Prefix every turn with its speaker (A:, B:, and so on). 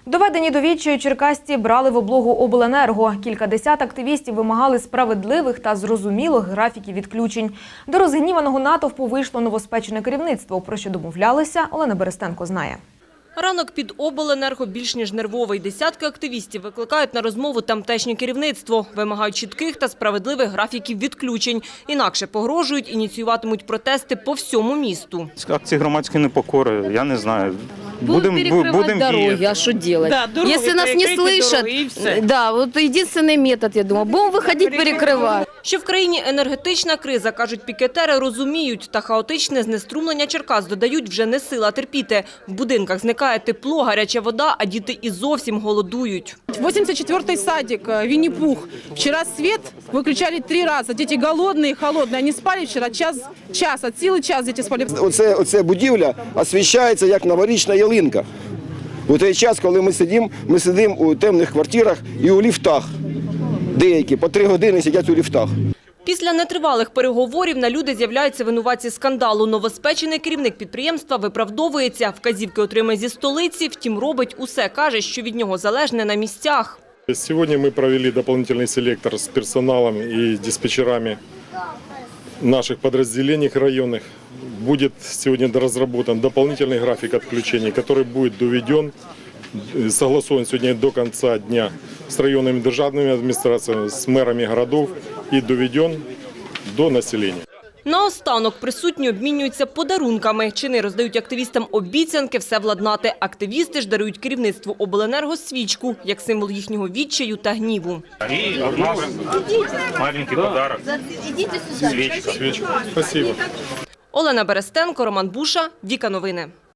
A: Доведені до відчаю черкасці брали в облогу обленерго. Кількадесят активістів вимагали справедливих та зрозумілих графіків відключень. До розгніваного натовпу вийшло новоспечене керівництво. Про що домовлялися, Олена Берестенко знає.
B: Ранок під обленерго більш ніж нервовий. Десятки активістів викликають на розмову тамтешнє керівництво. Вимагають чітких та справедливих графіків відключень. Інакше погрожують, ініціюватимуть протести по всьому місту.
C: Акції громадської непокори, я не знаю.
D: Будем перекрывать дороги,
C: діяти.
D: а что делать?
E: Да, дороги,
D: если нас не слышат, да, вот единственный метод, я думаю, будем выходить перекрывать.
B: Що в країні енергетична криза, кажуть пікетери, розуміють. Та хаотичне знеструмлення Черкас, додають, вже не сила терпіти. В будинках зникає тепло, гаряча вода, а діти і зовсім голодують.
E: 84-й садик, Винни-Пух. Вчера свет выключали 3 раза. Дети голодные, холодные. Они спали вчера час, от силы час дети спали.
F: Оце будівля освіщається як новорічна ялинка. У той час, коли ми сидимо у темних квартирах і у ліфтах. Деякі по 3 години сидять у ліфтах.
B: Після нетривалих переговорів на люди з'являються винуватці скандалу. Новоспечений керівник підприємства виправдовується. Вказівки отримає зі столиці, втім робить усе. Каже, що від нього залежне на місцях.
G: Сегодня мы провели дополнительный селектор с персоналом и диспетчерами наших подразделений районных. Будет сегодня разработан дополнительный график отключений, который будет доведен, согласован сегодня до конца дня с районными державными администрациями, с мэрами городов и доведен до населения.
B: Наостанок присутні обмінюються подарунками. Чини роздають активістам обіцянки все владнати. Активісти ж дарують керівництву обленерго свічку, як символ їхнього відчаю та гніву.
C: І от нас маленький подарок. Свічка.
G: Спасибо.
B: Олена Берестенко, Роман Буша, Віка Новини.